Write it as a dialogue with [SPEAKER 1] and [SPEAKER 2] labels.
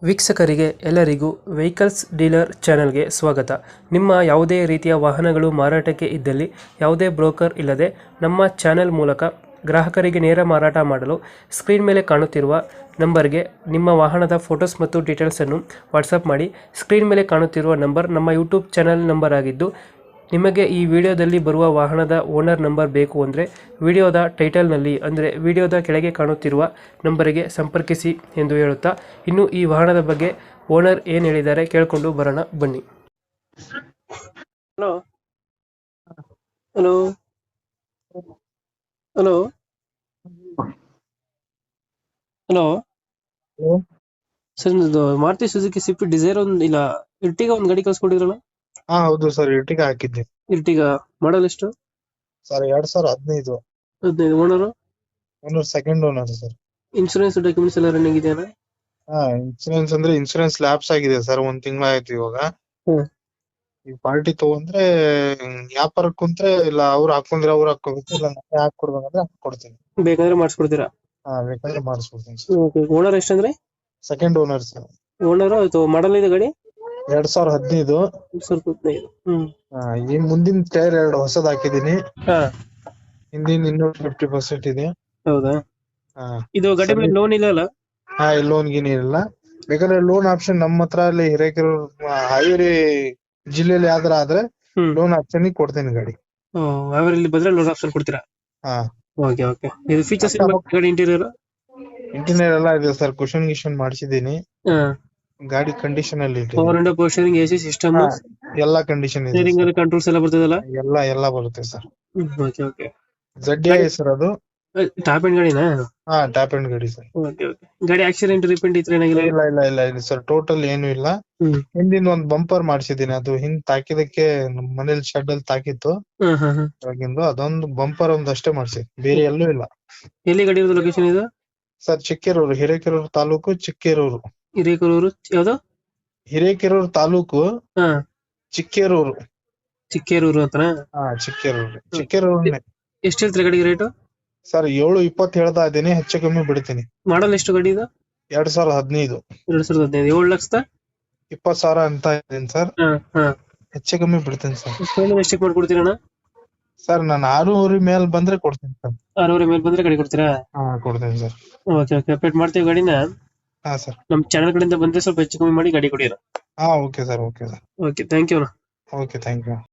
[SPEAKER 1] ವೀಕ್ಷಕರಿಗೆ ಎಲ್ಲರಿಗೂ vehicles dealer ಚಾನೆಲ್ಗೆ ಸ್ವಾಗತ. ನಿಮ್ಮ ಯಾವುದೇ ರೀತಿಯ ವಾಹನಗಳು ಮಾರಾಟಕ್ಕೆ ಇದ್ದಲ್ಲಿ ಯಾವುದೇ ಬ್ರೋಕರ್ ಇಲ್ಲದೆ ನಮ್ಮ ಚಾನೆಲ್ ಮೂಲಕ ಗ್ರಾಹಕರಿಗೆ ನೇರ ಮಾರಾಟ ಮಾಡಲು ಸ್ಕ್ರೀನ್ ಮೇಲೆ ಕಾಣುತ್ತಿರುವ ನಂಬರ್ಗೆ ನಿಮ್ಮ ವಾಹನದ ಫೋಟೋಸ್ ಮತ್ತು ಡೀಟೇಲ್ಸನ್ನು ವಾಟ್ಸಪ್ ಮಾಡಿ. ಸ್ಕ್ರೀನ್ ಮೇಲೆ ಕಾಣುತ್ತಿರುವ ನಂಬರ್ ನಮ್ಮ ಯೂಟ್ಯೂಬ್ ಚಾನೆಲ್ ನಂಬರ್ ಆಗಿದ್ದು, ನಿಮಗೆ ಈ ವಿಡಿಯೋದಲ್ಲಿ ಬರುವ ವಾಹನದ ಓನರ್ ನಂಬರ್ ಬೇಕು ಅಂದರೆ ವಿಡಿಯೋದ ಟೈಟಲ್ನಲ್ಲಿ ಅಂದರೆ ವಿಡಿಯೋದ ಕೆಳಗೆ ಕಾಣುತ್ತಿರುವ ನಂಬರಿಗೆ ಸಂಪರ್ಕಿಸಿ ಎಂದು ಹೇಳುತ್ತಾ, ಇನ್ನು ಈ ವಾಹನದ ಬಗ್ಗೆ ಓನರ್ ಏನು ಹೇಳಿದ್ದಾರೆ ಕೇಳಿಕೊಂಡು ಬರೋಣ ಬನ್ನಿ. Hello hello hello hello
[SPEAKER 2] hello.
[SPEAKER 1] Sir, ಇದು ಮಾರುತಿ ಸುಜುಕಿ ಸ್ವಿಫ್ಟ್ ಡಿಸೈರ್ ಒಂದು ಇಲ್ಲ ಇರ್ಟಿಗ ಒಂದು ಗಾಡಿ ಕಳ್ಸ್ಕೊಟ್ಟಿದ್ರಲ್ಲ?
[SPEAKER 2] ಹಾ ಹೌದು ಸರ್, ಇರ್ಟಿಗಾ ಹಾಕಿದ್ದೆ
[SPEAKER 1] ಇರ್ಟಿಗ ಮಾಡಲ್ ಎಷ್ಟು?
[SPEAKER 2] Sir. 2015
[SPEAKER 1] 15. Owner?
[SPEAKER 2] Owner second owner sir.
[SPEAKER 1] Insurance documents ಎಲ್ಲ ರನ್ನಿಂಗ್ ಇದೆಯಾ?
[SPEAKER 2] ಹಾ, ಇನ್ಸೂರೆನ್ಸ್ ಅಂದ್ರೆ ಇನ್ಸೂರೆನ್ಸ್ ಲ್ಯಾಪ್ಸ್ ಆಗಿದೆ ಸರ್. 1 ತಿಂಗಳ ಆಯ್ತು ಇವಾಗ.
[SPEAKER 1] ಹ್ಮ್.
[SPEAKER 2] ಈ ಪಾರ್ಟಿ ತಗೊಂಡ್ರೆ ವ್ಯಾಪಾರಕ್ಕೆ ಕುಂತ್ರೆ ಇಲ್ಲ ಅವ್ರು ಹಾಕೊಂಡ್ರೆ ಅವ್ರು ಹಾಕೋಬೇಕು, ಇಲ್ಲ ನಾನೇ ಹಾಕೊಡ್ಬೇಕಂದ್ರೆ ಹಾಕೊಡ್ತೀನಿ.
[SPEAKER 1] ಬೇಕಾದ್ರೆ ಮಾಡಿಸ್ಕೊಡ್ತೀರಾ?
[SPEAKER 2] ಹಾ, ಬೇಕಾದ್ರೆ ಮಾಡಿಸ್ಕೊಡ್ತೀನಿ ಸರ್.
[SPEAKER 1] ಓನರ್ ಎಷ್ಟಂದ್ರೆ?
[SPEAKER 2] Second owner sir.
[SPEAKER 1] ಓನರ್ ಆಯ್ತು. ಮಾಡಲ್ ಇದೆ ಗಾಡಿ?
[SPEAKER 2] 2015.
[SPEAKER 1] 2015. ಹ್ಮ್.
[SPEAKER 2] ಈ ಮುಂದಿನ ಟೈರ್ 2 ಹೊಸದ್ ಹಾಕಿದೀನಿ.
[SPEAKER 1] ಹಾ.
[SPEAKER 2] ಹಿಂದಿನ ಇನ್ನೂ 50% ಇದೆ.
[SPEAKER 1] ಹೌದಾ?
[SPEAKER 2] ಹಾ.
[SPEAKER 1] ಇದು ಗಾಡಿ ಮೇಲೆ ಲೋನ್ ಇಲ್ಲ ಅಲ್ಲ?
[SPEAKER 2] ಹಾ, ಲೋನ್ ಗೀನ್ ಇಲ್ಲ. ಬೇಕಾದ್ರೆ ಲೋನ್ ಆಪ್ಷನ್ ನಮ್ಮ ಹತ್ರ ಅಲ್ಲಿ ಹಿರೇಕೆರೂರು ಹಾವೇರಿ ಜಿಲ್ಲೆಯಲ್ಲಿ ಯಾವ್ದಾರ ಆದ್ರೆ ಲೋನ್ ಆಪ್ಷನ್ ಕೊಡ್ತೇನೆ ಗಾಡಿ.
[SPEAKER 1] ಹಾವೇರಿ ಬಂದ್ರೆ ಲೋನ್ ಆಪ್ಷನ್ ಕೊಡ್ತೀರಾ?
[SPEAKER 2] ಹಾ.
[SPEAKER 1] Okay okay. ಇದು ಫೀಚರ್ಸ್ ಗಾಡಿ ಇಂಟೀರಿಯರ್?
[SPEAKER 2] ಇಂಟೀರಿಯರ್ ಎಲ್ಲ ಇದೆ ಸರ್. ಕುಶನ್ ಗಿಶನ್ ಮಾಡಿಸಿದೀನಿ.
[SPEAKER 1] ಹಾ.
[SPEAKER 2] ಗಾಡಿ ಕಂಡೀಷನ್ ಅಲ್ಲಿ
[SPEAKER 1] power window, power steering, AC system,
[SPEAKER 2] ಎಲ್ಲಾ ಕಂಡೀಷನ್ ಇದೆ.
[SPEAKER 1] ಸ್ಟೀರಿಂಗ್ ಅಲ್ಲಿ ಕಂಟ್ರೋಲ್ಸ್ ಎಲ್ಲ ಬರ್ತದಲ್ಲ?
[SPEAKER 2] ಎಲ್ಲ ಬರುತ್ತೆ sir.
[SPEAKER 1] Okay okay.
[SPEAKER 2] ZDI sir ಅದು.
[SPEAKER 1] ಟಾಪ್ ಎಂಡ್ ಗಾಡಿನಾ?
[SPEAKER 2] ಹಾ, ಟಾಪ್ ಎಂಡ್ ಗಾಡಿ ಸರ್.
[SPEAKER 1] Okay okay. ಗಾಡಿ ಆಕ್ಸಿಡೆಂಟ್ ರಿಪೇಂಟ್ ಇತ್ತು ಏನಾಗಿಲ್ಲ?
[SPEAKER 2] ಇಲ್ಲ ಸರ್, ಟೋಟಲ್ ಏನು ಇಲ್ಲ. ಹಿಂದಿನ ಒಂದ್ ಬಂಪರ್ ಮಾಡಿಸಿದೀನಿ. ಅದು ಹಿಂದ್ ತಾಕಿದಕ್ಕೆ ನಮ್ ಮನೇಲಿ ಶೆಡ್ ಅಲ್ಲಿ ತಾಕಿತ್ತು. ಅವಾಗಿಂದು ಅದೊಂದು ಬಂಪರ್ ಒಂದಷ್ಟೇ ಮಾಡಿಸಿ, ಬೇರೆ ಎಲ್ಲೂ ಇಲ್ಲ.
[SPEAKER 1] ಎಲ್ಲಿ ಗಾಡಿ ಇರೋದು? ಲೊಕೇಶನ್ ಇದು
[SPEAKER 2] ಸರ್ ಚಿಕ್ಕೇರೂರು, ಹಿರೇಕೆರೂರು ತಾಲೂಕು, ಚಿಕ್ಕೇರೂರು.
[SPEAKER 1] ಹಿರೇಕೆರೂರು ಯಾವ್ದು?
[SPEAKER 2] ಹಿರೇಕೆರೂರು ತಾಲೂಕು,
[SPEAKER 1] ಹಾ.
[SPEAKER 2] ಚಿಕ್ಕೇರೂರು.
[SPEAKER 1] ಚಿಕ್ಕೇರೂರು ಅಂತನಾ?
[SPEAKER 2] ಹಾ, ಚಿಕ್ಕೇರೂರನ್ನೇ.
[SPEAKER 1] ಎಷ್ಟು ಹೇಳ್ತೀರಾ ಗಾಡಿಗೆ ರೇಟು?
[SPEAKER 2] ಸರ್ 720 ಹೇಳ್ತಾ ಇದ್ದೀನಿ, ಹೆಚ್ಚು ಕಮ್ಮಿ ಬಿಡ್ತೀನಿ.
[SPEAKER 1] ಮಾಡಲ್ ಎಷ್ಟು ಗಾಡಿ ಇದು?
[SPEAKER 2] 2015.
[SPEAKER 1] 2015. 7,20,000
[SPEAKER 2] ಅಂತ ಇದ್ದೀನಿ ಸರ್. ಹೆಚ್ಚು ಕಮ್ಮಿ ಬಿಡ್ತೀನಿ ಸರ್.
[SPEAKER 1] ಎಷ್ಟಕ್ಕೆ ಮಾಡ್ಕೊಡ್ತೀರಣ್ಣ?
[SPEAKER 2] ಸರ್ ನಾನು 6,000 ಮೇಲೆ ಬಂದ್ರೆ ಕೊಡ್ತೀನಿ ಸರ್.
[SPEAKER 1] 6,000 ಮೇಲೆ ಬಂದ್ರೆ ಗಾಡಿ ಕೊಡ್ತೀರಾ?
[SPEAKER 2] ಹಾ, ಕೊಡ್ತೀನಿ ಸರ್.
[SPEAKER 1] Okay okay. ಅಪ್ಡೇಟ್ ಮಾಡ್ತೀವಿ ಗಾಡಿನ.
[SPEAKER 2] ಹಾ ಸರ್.
[SPEAKER 1] ನಮ್ಮ ಚಾನಲ್ ಕಡೆಯಿಂದ ಬಂದ್ರೆ ಸ್ವಲ್ಪ ಹೆಚ್ಚು ಕಮ್ಮಿ ಮಾಡಿ ಗಾಡಿ ಕೊಡಿ.
[SPEAKER 2] ಹಾ, okay sir.
[SPEAKER 1] Okay, thank you.
[SPEAKER 2] Okay, thank you.